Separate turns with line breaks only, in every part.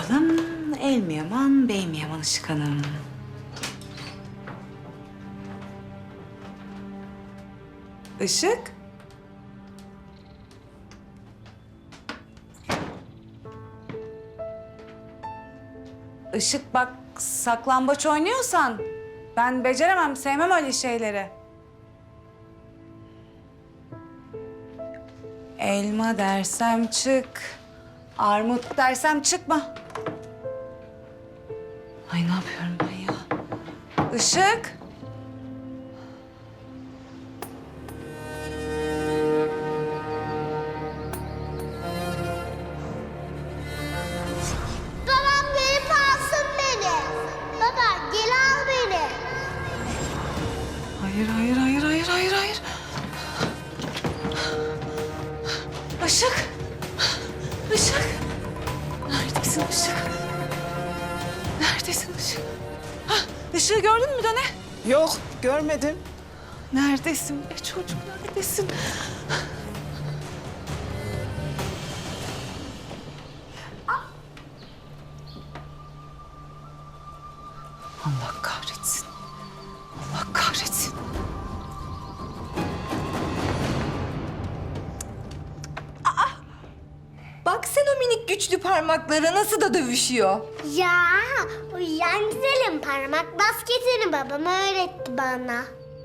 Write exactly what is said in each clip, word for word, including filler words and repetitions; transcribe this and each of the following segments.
bakalım. El mi yaman, bey mi yaman Işık Hanım? Işık? Işık bak, saklambaç oynuyorsan ben beceremem, sevmem öyle şeyleri. Elma dersem çık, armut dersem çıkma. Ay ne yapıyorum ben ya? Işık.
Babam gelip alsın beni. Baba gel al beni.
Hayır, hayır, hayır, hayır, hayır, hayır. Işık. Işık. Neredesin Işık? Neredesin Işık? Hah, Işık'ı gördün mü Döne?
Yok, görmedim.
Neredesin be çocuk, neredesin? Allah kahretsin. Allah kahretsin.
Bak sen o minik güçlü parmaklara nasıl da dövüşüyor.
Ya uyuyan güzelim parmak basketini babam öğretti bana.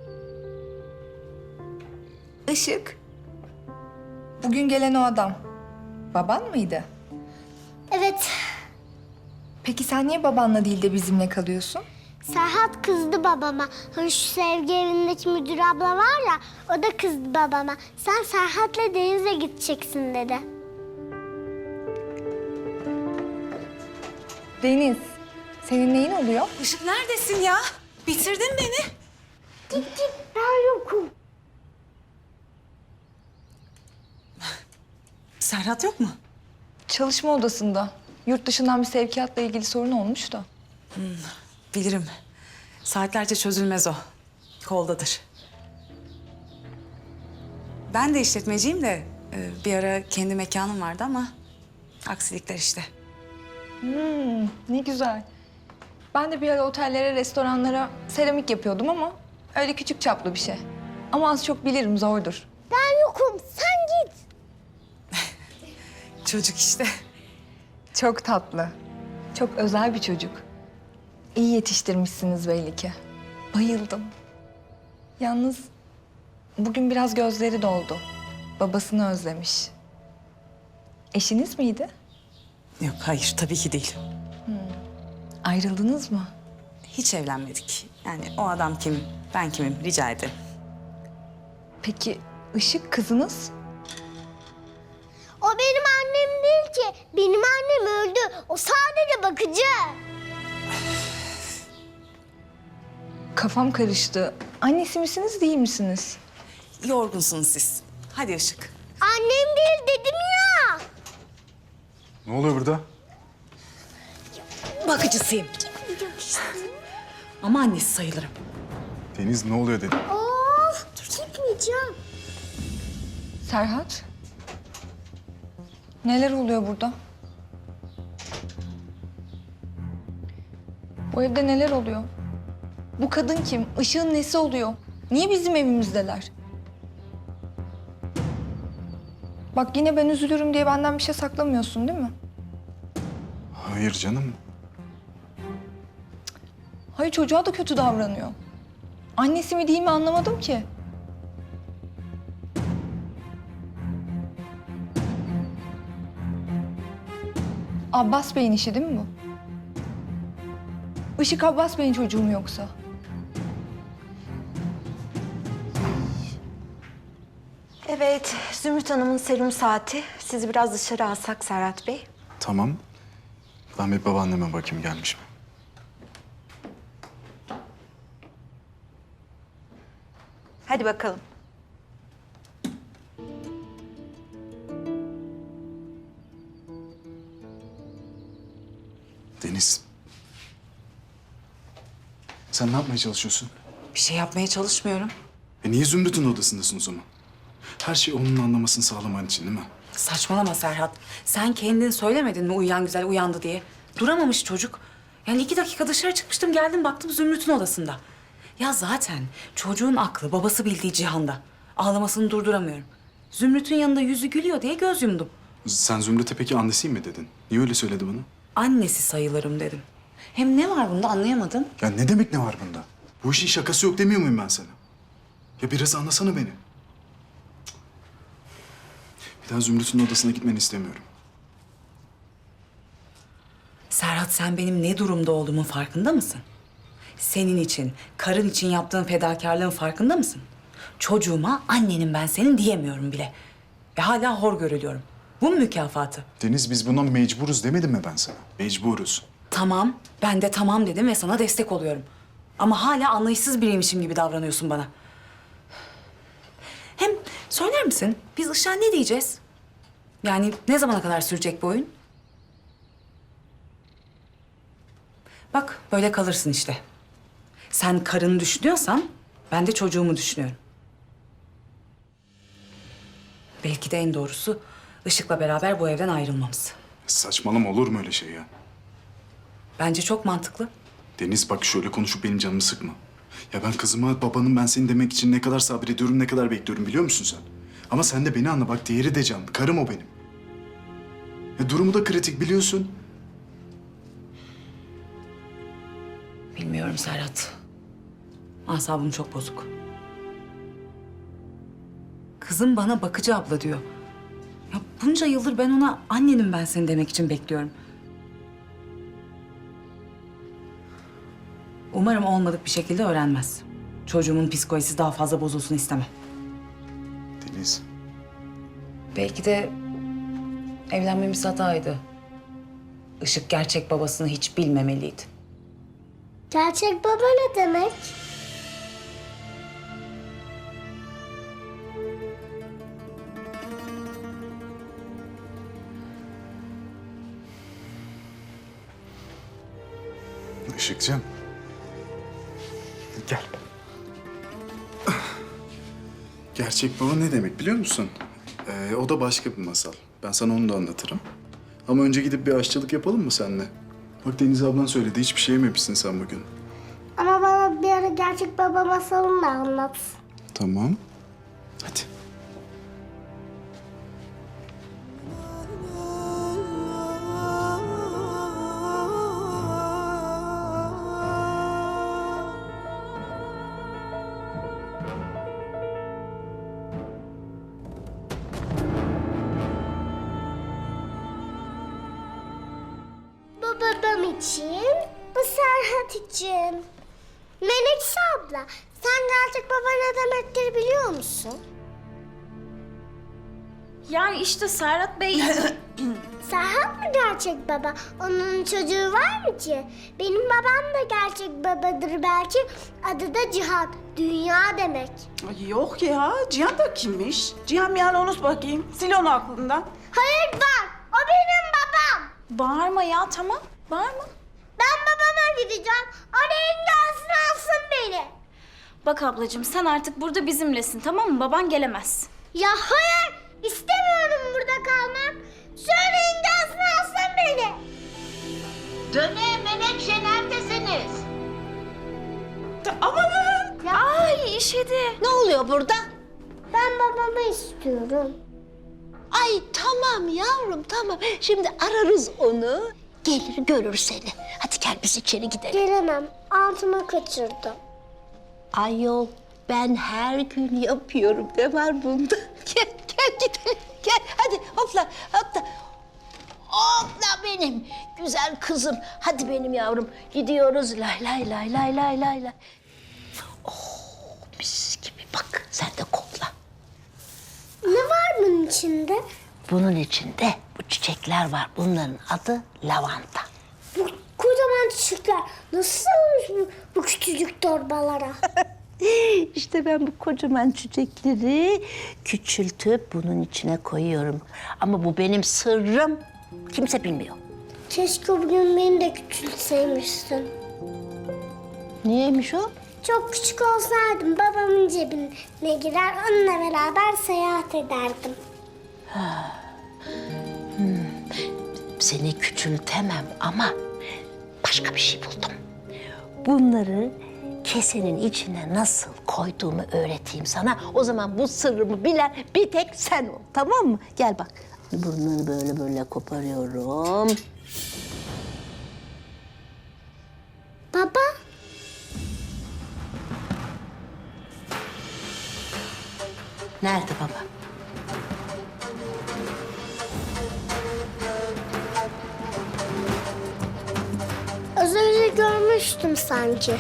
Işık. Bugün gelen o adam. Baban mıydı?
Evet,
Peki sen niye babanla değil de bizimle kalıyorsun?
Serhat kızdı babama. Hani şu sevgi evindeki müdür abla var ya, o da kızdı babama. Sen Serhat'la denize gideceksin dedi.
Deniz, senin neyin oluyor?
Işık neredesin ya? Bitirdin beni.
Git git, ben yokum.
Serhat yok mu?
Çalışma odasında. Yurt dışından bir sevkiyatla ilgili sorun olmuş da.
Bilirim. Saatlerce çözülmez o. Koldadır. Ben de işletmeciyim de e, bir ara kendi mekanım vardı ama aksilikler işte.
Hmm, ne güzel. Ben de bir ara otellere, restoranlara seramik yapıyordum ama öyle küçük çaplı bir şey. Ama az çok bilirim, zordur.
Ben yokum, sen git.
Çocuk işte.
Çok tatlı. Çok özel bir çocuk. İyi yetiştirmişsiniz belli ki. Bayıldım. Yalnız bugün biraz gözleri doldu. Babasını özlemiş. Eşiniz miydi?
Yok hayır tabii ki değil.
Ayrıldınız mı?
Hiç evlenmedik. Yani o adam kim, ben kimim rica ederim.
Peki Işık kızınız?
O benim annem değil ki. Benim annem öldü. O sadece bakıcı.
Kafam karıştı. Annesi misiniz, değil misiniz?
Yorgunsunuz siz. Hadi Işık.
Annem değil dedim ya.
Ne oluyor burada?
Bakıcısıyım. Ama annesi sayılırım.
Deniz ne oluyor dedim.
Of, gitmeyeceğim.
Serhat? Neler oluyor burada? Bu evde neler oluyor? Bu kadın kim? Işığın nesi oluyor? Niye bizim evimizdeler? Bak yine ben üzülürüm diye benden bir şey saklamıyorsun değil mi?
Hayır canım.
Hayır çocuğa da kötü davranıyor. Annesi mi değil mi anlamadım ki. Abbas Bey'in işi değil mi bu? Işık Abbas Bey'in çocuğu mu yoksa?
Evet, Zümrüt Hanım'ın serum saati. Sizi biraz dışarı alsak Serhat Bey.
Tamam. Ben bir babaanneme bakayım gelmiş mi?
Hadi bakalım.
Deniz. Sen ne yapmaya çalışıyorsun?
Bir şey yapmaya çalışmıyorum.
E niye Zümrüt'ün odasındasın o zaman? Her şeyi onun anlamasını sağlaman için değil mi?
Saçmalama Serhat. Sen kendin söylemedin mi uyuyan güzel uyandı diye? Duramamış çocuk. Yani iki dakika dışarı çıkmıştım, geldim baktım Zümrüt'ün odasında. Ya zaten çocuğun aklı babası bildiği cihanda. Ağlamasını durduramıyorum. Zümrüt'ün yanında yüzü gülüyor diye göz yumdum.
Sen Zümrüt'e peki annesiyim mi dedin? Niye öyle söyledi bana?
Annesi sayılırım dedim. Hem ne var bunda anlayamadım.
Ya ne demek ne var bunda? Bu işin şakası yok demiyor muyum ben sana? Ya biraz anlasana beni. Cık. Bir daha Zümrüt'ün odasına gitmeni istemiyorum.
Serhat, sen benim ne durumda olduğumun farkında mısın? Senin için, karın için yaptığın fedakarlığın farkında mısın? Çocuğuma annenim ben senin diyemiyorum bile. Ve hala hor görülüyorum. Bu mu mükafatı?
Deniz, biz buna mecburuz demedim mi ben sana? Mecburuz.
Tamam, ben de tamam dedim ve sana destek oluyorum. Ama hala anlayışsız biriymişim gibi davranıyorsun bana. Hem söyler misin, biz Işık'a ne diyeceğiz? Yani ne zamana kadar sürecek bu oyun? Bak, böyle kalırsın işte. Sen karını düşünüyorsan, ben de çocuğumu düşünüyorum. Belki de en doğrusu Işık'la beraber bu evden ayrılmamız.
Saçmalama, olur mu öyle şey ya?
Bence çok mantıklı.
Deniz bak, şöyle konuşup benim canımı sıkma. Ya ben kızıma babanın ben seni demek için ne kadar sabrediyorum, ne kadar bekliyorum biliyor musun sen? Ama sen de beni anla bak, diğeri de can. Karım o benim. Ya durumu da kritik biliyorsun.
Bilmiyorum Serhat. Asabım çok bozuk. Kızım bana bakıcı abla diyor. Ya bunca yıldır ben ona annenim ben seni demek için bekliyorum. Umarım olmadık bir şekilde öğrenmez. Çocuğumun psikolojisi daha fazla bozulsun istemem.
Deniz.
Belki de evlenmemiz hataydı. Işık gerçek babasını hiç bilmemeliydi.
Gerçek baba ne demek?
Işıkcığım. Gel. Gerçek baba ne demek biliyor musun? Ee, o da başka bir masal. Ben sana onu da anlatırım. Ama önce gidip bir aşçılık yapalım mı seninle? Bak Deniz ablan söyledi, hiçbir şey yememişsin sen bugün.
Ama bana bir ara gerçek baba masalını da anlat.
Tamam. Hadi.
Bu babam için, bu Serhat için. Menekşe abla, sen gerçek baba ne demektir biliyor musun?
Yani işte Serhat Bey...
Serhat mı gerçek baba? Onun çocuğu var mı ki? Benim babam da gerçek babadır belki. Adı da Cihan, dünya demek.
Ay yok ya, Cihan da kimmiş? Cihan yani unut bakayım, sil onu aklından.
Hayır var, o benim babam.
Bağırma ya, tamam. Bağırma.
Ben babama gideceğim, oraya gelsin alsın beni.
Bak ablacığım, sen artık burada bizimlesin, tamam mı? Baban gelemez.
Ya hayır, istemiyorum burada kalmak. Söyleyin gelsin alsın beni.
Döne, Menekşe neredesiniz?
Amanın!
Ay işedi.
Ne oluyor burada?
Ben babamı istiyorum.
Ay tamam yavrum tamam. Şimdi ararız onu. Gelir görür seni. Hadi gel biz içeri gidelim.
Gelemem, altıma kaçırdım.
Ayol ben her gün yapıyorum. Ne var bunda? Gel gel gidelim. Gel hadi hopla hopla. Hopla benim güzel kızım. Hadi benim yavrum gidiyoruz. Lay lay lay lay lay lay lay. Oh mis gibi bak sen de kokla.
Ne var bunun içinde?
Bunun içinde bu çiçekler var. Bunların adı lavanta.
Bu kocaman çiçekler nasıl sığmış bu, bu küçücük torbalara?
İşte ben bu kocaman çiçekleri küçültüp bunun içine koyuyorum. Ama bu benim sırrım. Kimse bilmiyor.
Keşke bugün beni de küçültseymişsin.
Niyeymiş o?
Çok küçük olsaydım babamın cebine girer onunla beraber seyahat ederdim.
seni küçültemem ama başka bir şey buldum. Bunları kesenin içine nasıl koyduğumu öğreteyim sana. O zaman bu sırrımı bilen bir tek sen ol, tamam mı? Gel bak, bunları böyle böyle koparıyorum.
Baba,
Nerede baba?
az önce görmüştüm sanki.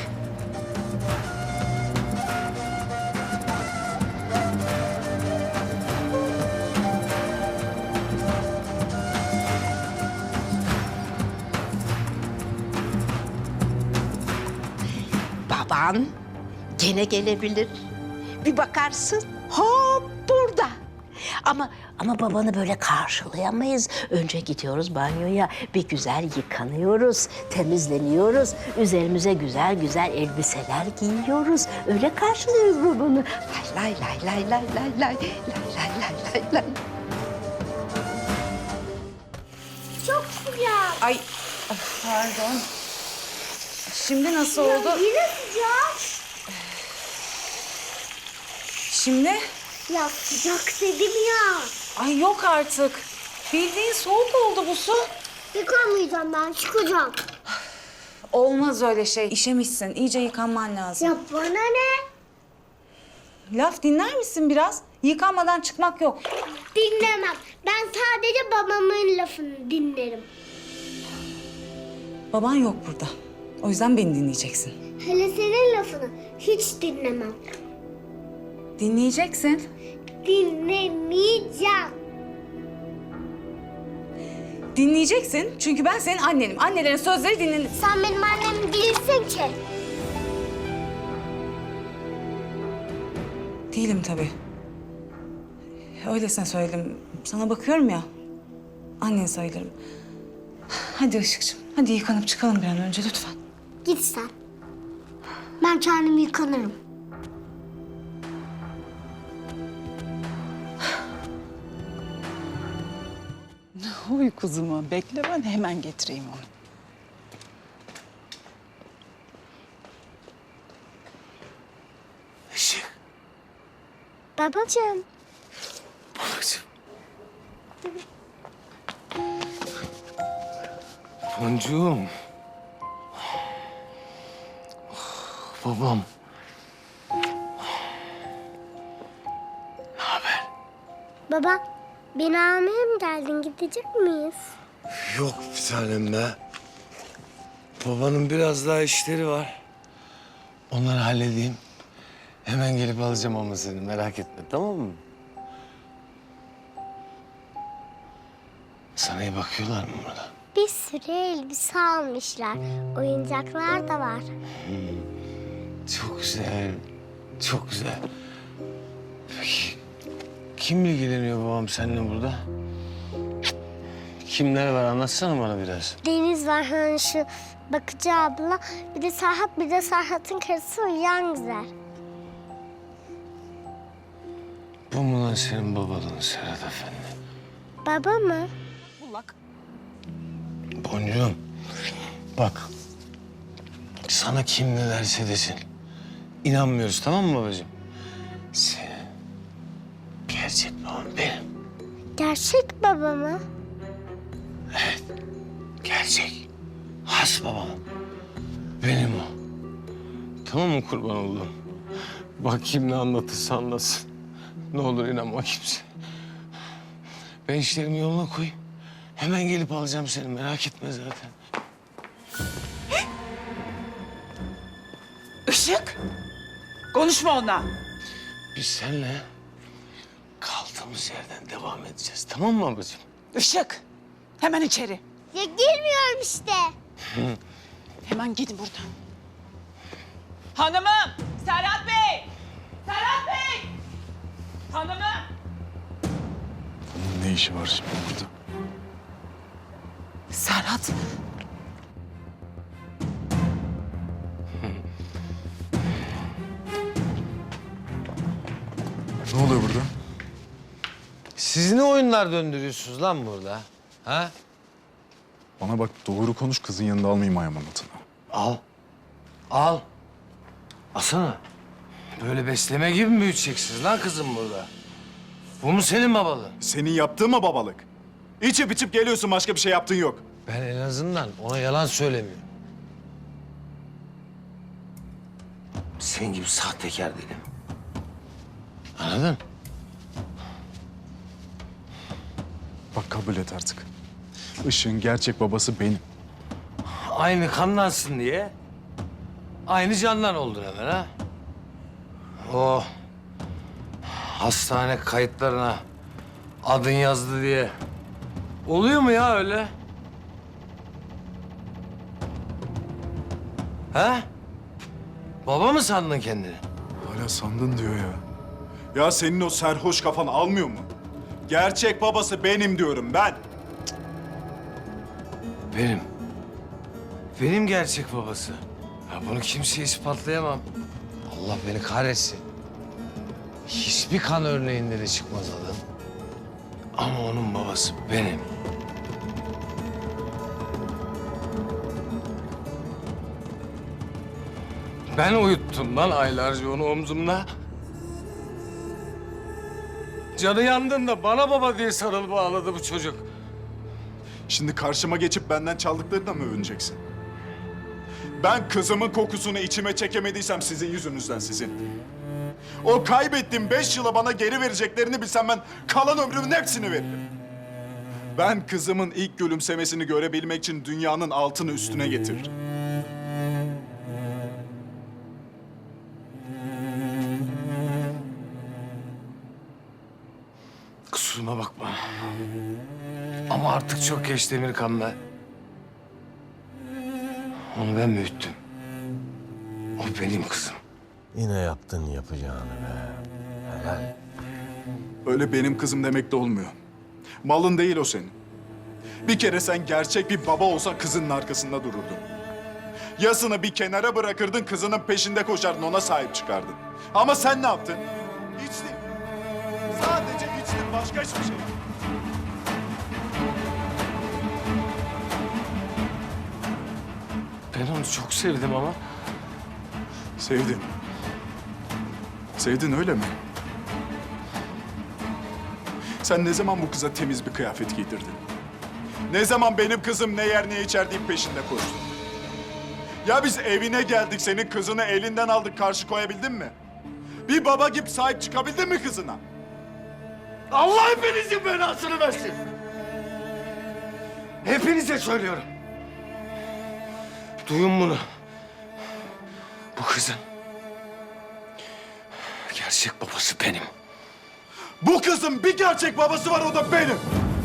Baban gene gelebilir. Bir bakarsın hop burada. Ama ama babanı böyle karşılayamayız. Önce gidiyoruz banyoya, bir güzel yıkanıyoruz, temizleniyoruz. Üzerimize güzel güzel elbiseler giyiyoruz. Öyle karşılıyoruz babanı. Lay lay lay lay lay lay lay lay lay lay lay.
Çok sıcak.
Ay of, pardon. Şimdi nasıl oldu?
Yine sıcak.
Şimdi?
Ya sıcak dedim ya.
Ay yok artık. Bildiğin soğuk oldu bu su.
Yıkamayacağım ben, çıkacağım.
Olmaz öyle şey. İşemişsin. İyice yıkanman lazım.
Ya bana ne?
Laf dinler misin biraz? Yıkanmadan çıkmak yok.
Dinlemem. Ben sadece babamın lafını dinlerim.
Baban yok burada. O yüzden beni dinleyeceksin.
Hele senin lafını hiç dinlemem.
Dinleyeceksin.
Dinlemeyeceğim.
Dinleyeceksin çünkü ben senin annenim. Annelerin sözleri dinlenir.
Sen benim annem değilsin ki.
Değilim tabii. Öylesine söyledim. Sana bakıyorum ya. Annen sayılırım. Hadi Işıkçığım. Hadi yıkanıp çıkalım bir an önce lütfen.
Git sen. Ben kendim yıkanırım.
Uy kuzumu bekle, ben hemen getireyim onu.
Işık.
Babacığım.
Babacığım. Boncuğum. Babam. Ne haber?
Baba, beni almaya mı geldin? Gidecek miyiz?
Yok bir tanem be. Babanın biraz daha işleri var. Onları halledeyim. Hemen gelip alacağım ama seni, merak etme, tamam mı? Sana iyi bakıyorlar mı burada?
Bir sürü elbise almışlar. Oyuncaklar da var.
Çok güzel, çok güzel. Peki, kim ilgileniyor babam seninle burada? Kimler var, anlatsana bana biraz.
Deniz var, hani şu bakıcı abla. Bir de Serhat, bir de Serhat'ın karısı uyuyan güzel.
Bu mu lan senin babalığın Serhat Efendi?
Baba mı?
Boncuğum, bak. Sana kim ne derse desin. İnanmıyoruz, tamam mı babacığım? Senin gerçek baban benim.
Gerçek baba mı?
Gerçek. Has babam. Benim o. Tamam mı kurban oldum? Bak kim ne anlatırsa anlatsın. Ne olur inanma kimse. Ben işlerimi yoluna koyayım. Hemen gelip alacağım seni, merak etme zaten.
Işık, konuşma onunla.
Biz seninle kaldığımız yerden devam edeceğiz. Tamam mı babacığım?
Işık, hemen içeri.
Ya girmiyorum işte.
Hemen gidin buradan. Hanımım, Serhat Bey! Serhat Bey! Hanımım!
Bunun ne işi var şimdi burada?
Serhat,
Ne oluyor burada?
Siz ne oyunlar döndürüyorsunuz lan burada? Ha?
Bana bak doğru konuş kızın yanında almayayım ayağımın altına.
Al. Al. Asana. Böyle besleme gibi mi büyüteceksiniz lan kızım burada? Bu mu senin babalığın?
Senin yaptığın mı babalık? İçip içip geliyorsun başka bir şey yaptığın yok.
Ben en azından ona yalan söylemiyorum. Senin gibi sahtekar değilim. Anladın?
Bak kabul et artık. Işık'ın gerçek babası benim.
Aynı kanlansın diye aynı candan oldun hemen ha. O hastane kayıtlarına adın yazdı diye oluyor mu ya öyle? Ha? Baba mı sandın kendini?
Hala sandın diyor ya. Ya senin o serhoş kafan almıyor mu? Gerçek babası benim diyorum ben.
Benim. Benim gerçek babası. Ya bunu kimseye ispatlayamam. Allah beni kahretsin. Hiçbir kan örneğinde de çıkmaz adam. Ama onun babası benim. Ben uyuttum lan aylarca onu omzumda. Canı yandığında bana baba diye sarılıp ağladı bu çocuk.
Şimdi karşıma geçip benden çaldıklarına mı övüneceksin? Ben kızımın kokusunu içime çekemediysem sizin yüzünüzden sizin. O kaybettiğim beş yıla bana geri vereceklerini bilsem ben kalan ömrümün hepsini veririm. Ben kızımın ilk gülümsemesini görebilmek için dünyanın altını üstüne getiririm.
Kusuruma bakma. Ama artık çok geç Demirkan'la. Onu ben büyüttüm. O benim kızım.
Yine yaptın yapacağını be. Helal.
Öyle benim kızım demek de olmuyor. Malın değil o senin. Bir kere sen gerçek bir baba olsan kızının arkasında dururdun. Yasını bir kenara bırakırdın, kızının peşinde koşardın, ona sahip çıkardın. Ama sen ne yaptın? İçtin. Sadece içtin, başka hiçbir şey yok.
Ben onu çok sevdim ama.
Sevdin. Sevdin öyle mi? Sen ne zaman bu kıza temiz bir kıyafet giydirdin? Ne zaman benim kızım ne yer ne içer deyip peşinde koştun? Ya biz evine geldik, senin kızını elinden aldık, karşı koyabildin mi? Bir baba gibi sahip çıkabildin mi kızına?
Allah hepinizin belasını versin. Hepinize söylüyorum. Duyun bunu. Bu kızın gerçek babası benim.
Bu kızın bir gerçek babası var, o da benim.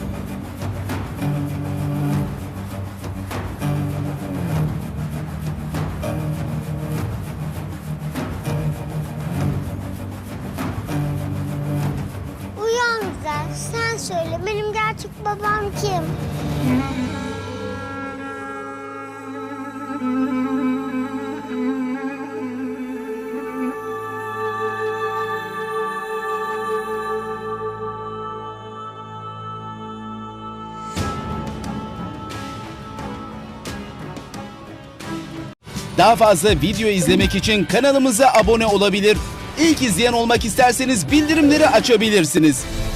Uyan güzel. Sen söyle benim gerçek babam kim?
Daha fazla video izlemek için kanalımıza abone olabilir. İlk izleyen olmak isterseniz bildirimleri açabilirsiniz.